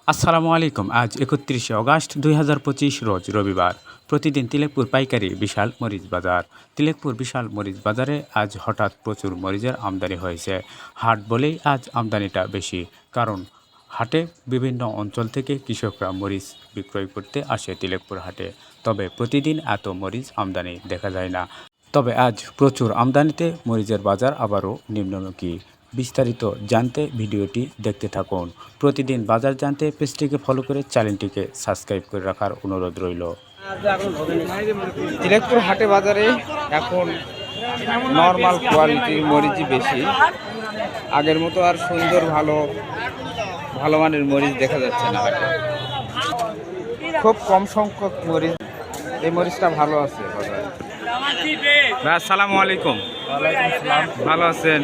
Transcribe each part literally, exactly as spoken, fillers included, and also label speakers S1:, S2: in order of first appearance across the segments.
S1: আসসালামু আলাইকুম। আজ একত্রিশে অগাস্ট দুই হাজার পঁচিশ রোজ রবিবার। প্রতিদিন তিলেকপুর পাইকারি বিশাল মরিচ বাজার। তিলেকপুর বিশাল মরিচ বাজারে আজ হঠাৎ প্রচুর মরিচের আমদানি হয়েছে। হাট বলেই আজ আমদানিটা বেশি, কারণ হাটে বিভিন্ন অঞ্চল থেকে কৃষকরা মরিচ বিক্রয় করতে আসে তিলেকপুর হাটে। তবে প্রতিদিন এত মরিচ আমদানি দেখা যায় না। তবে আজ প্রচুর আমদানিতে মরিচের বাজার আবারও নিম্নমুখী। বিস্তারিত জানতে ভিডিওটি দেখতে থাকুন। প্রতিদিন বাজার জানতে পেজটিকে ফলো করে চ্যানেলটিকে সাবস্ক্রাইব করে রাখার অনুরোধ রইল।
S2: তিলেকপুর হাটে বাজারে এখন নর্মাল কোয়ালিটির মরিচই বেশি। আগের মতো আর সুন্দর ভালো ভালো মানের মরিচ দেখা যাচ্ছে না হাটে। খুব কম সংখ্যক মরিচ, এই মরিচটা ভালো আছে বাজারে। ভাই আসসালামু আলাইকুম। ভালো আছেন?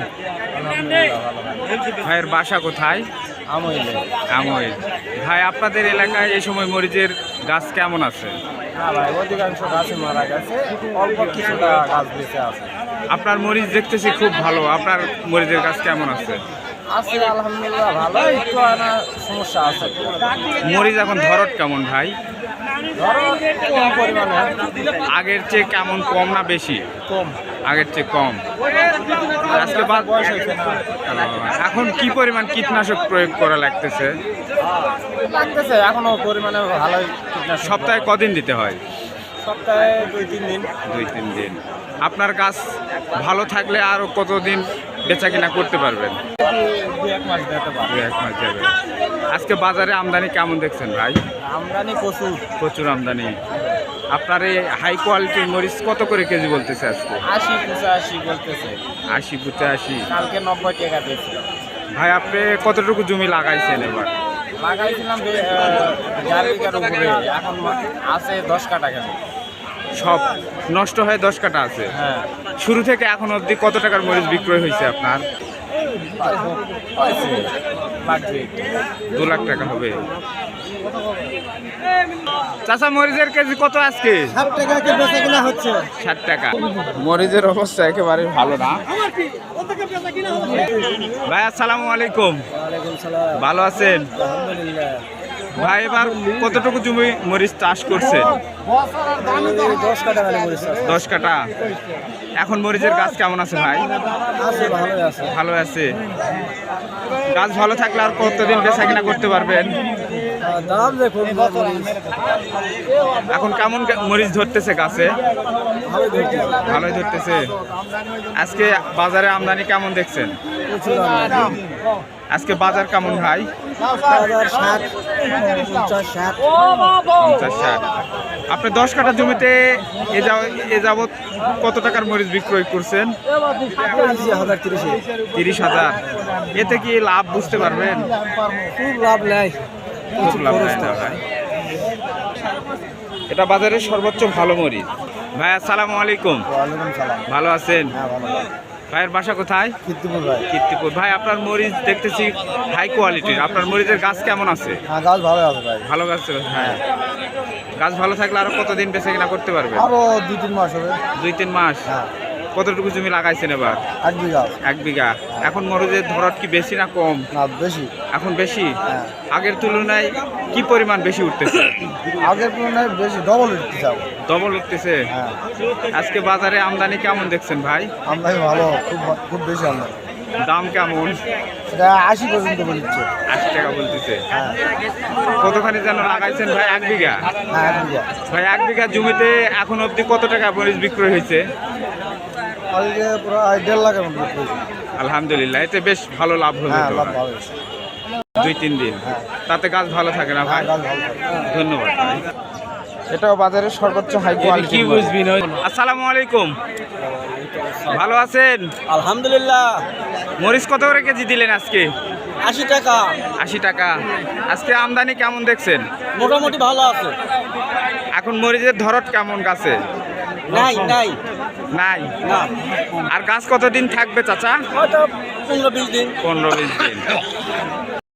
S2: ভাইয়ের বাসা কোথায়? আমইল। ভাই আপনাদের এলাকায় এই সময় মরিচের গাছ কেমন আছে?
S3: অধিকাংশ গাছে মারা গেছে, অল্প কিছুটা গাছ বেঁচে আছে।
S2: আপনার মরিচ দেখতেছি খুব ভালো, আপনার মরিচের গাছ কেমন আছে?
S3: আছে আলহামদুলিল্লাহ ভালো, একটু আনা সমস্যা আছে।
S2: মরিচ এখন ধরত কেমন ভাই?
S3: কম পরিমাণে।
S2: আগের চেয়ে কেমন, কম না বেশি?
S3: কম।
S2: আগের চেয়ে কম। আজকে বাদ
S3: বয়স হয়েছে না।
S2: এখন কি পরিমাণ কীটনাশক প্রয়োগ করা লাগতেছে?
S3: লাগতেছে এখনো পরিমাণে ভালোই। কীটনাশক
S2: সপ্তাহে কদিন দিতে হয়?
S3: সপ্তাহে দুই তিন দিন।
S2: দুই তিন দিন। আপনার গাছ ভালো থাকলে আরও কতদিন বেচা কিনা করতে পারবেন?
S3: দুই এক মাস দিতে পারবে।
S2: দুই এক মাস যাবে। আজকে বাজারে আমদানি কেমন দেখছেন ভাই?
S3: আমদানি প্রচুর।
S2: প্রচুর আমদানি। আপনার এই হাই কোয়ালিটির মরিচ কত করে কেজি বলতেছে আজকে?
S3: আশি পঁচাশি বলতেছে।
S2: আশি পঁচাশি।
S3: কালকে নব্বই টাকা দিয়েছে।
S2: ভাই আপনি কতটুকু জমি লাগাইছেন এবার?
S3: লাগাইছিলাম চার বিঘার উপরে, এখন আছে দশ কাটা কেন।
S2: সব নষ্ট হয়ে দশ কাটা আছে।
S3: হ্যাঁ।
S2: শুরু থেকে এখন অবধি কত টাকার মরিচ বিক্রয় হয়েছে আপনার? দু লাখ টাকা হবে। চাচা মরিচের কেজি কত আজকে?
S3: ষাট টাকা কে বেচা কিনা হচ্ছে।
S2: ষাট টাকা। মরিচের অবস্থা একেবারে ভালো না। ভাই আসসালামু আলাইকুম।
S3: ওয়ালাইকুম সালাম।
S2: ভালো আছেন?
S3: আলহামদুলিল্লাহ।
S2: ভাই এবার কতটুকু জমি মরিচ চাষ করছেন?
S3: দশ কাটা গাড়ি করেছে।
S2: দশ কাটা। এখন মরিচের গাছ কেমন আছে ভাই?
S3: আছে, ভালোই আছে।
S2: ভালো আছে। গাছ ভালো থাকলে আর কতদিন বেচা কিনা করতে পারবেন?
S3: দাম দেখুন,
S2: এখন কেমন মরিচ ধরতেছে গাছে?
S3: ভালোই ধরছে।
S2: ভালোই ধরতেছে। আজকে বাজারে আমদানি কেমন দেখছেন?
S3: প্রচুর আমদানি।
S2: আজকে বাজার কেমন ভাই?
S3: বাজার ষাট পঞ্চাশ ষাট।
S2: পঞ্চাশ ষাট। আপনি দশ কাঠা জমিতে এ যাও এ যাবৎ কত টাকার মরিচ বিক্রয় করছেন?
S3: হাজার তিরিশে।
S2: তিরিশ হাজার। এতে কি লাভ বুঝতে পারবেন?
S3: খুব লাভ নেয়।
S2: খুব লাভ নেয় না ভাই। এটা বাজারের সর্বোচ্চ ভালো মরিচ। ভাই আসসালামু আলাইকুম।
S3: ওয়ালাইকুম সালাম।
S2: ভালো আছেন?
S3: হ্যাঁ ভালো।
S2: ভাইয়ের বাসা কোথায়?
S3: কীর্তিপুর ভাই।
S2: কীর্তিপুর। ভাই আপনার মরিচ দেখতেছি হাই কোয়ালিটির, আপনার মরিচের গাছ কেমন আছে?
S3: হ্যাঁ গাছ ভালো আছে ভাই।
S2: ভালো গাছ। হ্যাঁ, গাছ ভালো থাকলে আরো কতদিন বেচা কিনা করতে পারবে?
S3: আরো দুই তিন মাস হবে।
S2: দুই তিন মাস।
S3: হ্যাঁ।
S2: কতটুকু জমি লাগাইছেন এবার?
S3: এক বিঘা।
S2: এক বিঘা। এখন মরিচের ধরত কি বেশি না কম?
S3: না বেশি।
S2: এখন বেশি।
S3: হ্যাঁ।
S2: আগের তুলনায় কি পরিমাণ বেশি উঠতেছে?
S3: আগের তুলনায় বেশি, ডবল উঠতে যাবো।
S2: ডবল উঠতেছে।
S3: হ্যাঁ।
S2: আজকে বাজারে আমদানি কেমন দেখছেন ভাই?
S3: আমদানি ভালো, খুব খুব বেশি আমদানি।
S2: দাম কেমন?
S3: এটা আশি পর্যন্ত বলছে।
S2: আশি টাকা বলতেছে।
S3: হ্যাঁ।
S2: কতখানি যেন লাগাইছেন ভাই? এক বিঘা।
S3: হ্যাঁ এক বিঘা।
S2: ভাই এক বিঘা জমিতে এখন অবধি কত টাকা মরিচ বিক্রয় হয়েছে?
S3: আজকে প্রায় দেড় লাখের মতো বিক্রি হয়েছে।
S2: আলহামদুলিল্লাহ, এতে বেশ ভালো লাভ হলো
S3: হ্যাঁ
S2: তো
S3: লাভ
S2: ভাই।
S3: ভালো হয়েছে।
S2: দুই তিন দিন।
S3: হ্যাঁ।
S2: তাতে গাছ ভালো থাকে না ভাই?
S3: গাছ ভালো থাকে।
S2: ধন্যবাদ ভাই। এটাও বাজারের সর্বোচ্চ হাই কোয়ালিটি। কি বুঝবি না? আসসালামু আলাইকুম। ভালো আছেন?
S3: আলহামদুলিল্লাহ।
S2: মরিচ কত করে কেজি দিলেন আজকে?
S3: আশি টাকা।
S2: আশি টাকা। আজকে আমদানি কেমন দেখছেন?
S3: মোটামুটি ভালো আছে।
S2: এখন মরিচের ধরত কেমন গাছে?
S3: নাই নাই
S2: নাই।
S3: না।
S2: আর গাছ কতদিন থাকবে চাচা?
S3: হয়তো পনেরো বিশ দিন।
S2: পনেরো বিশ দিন।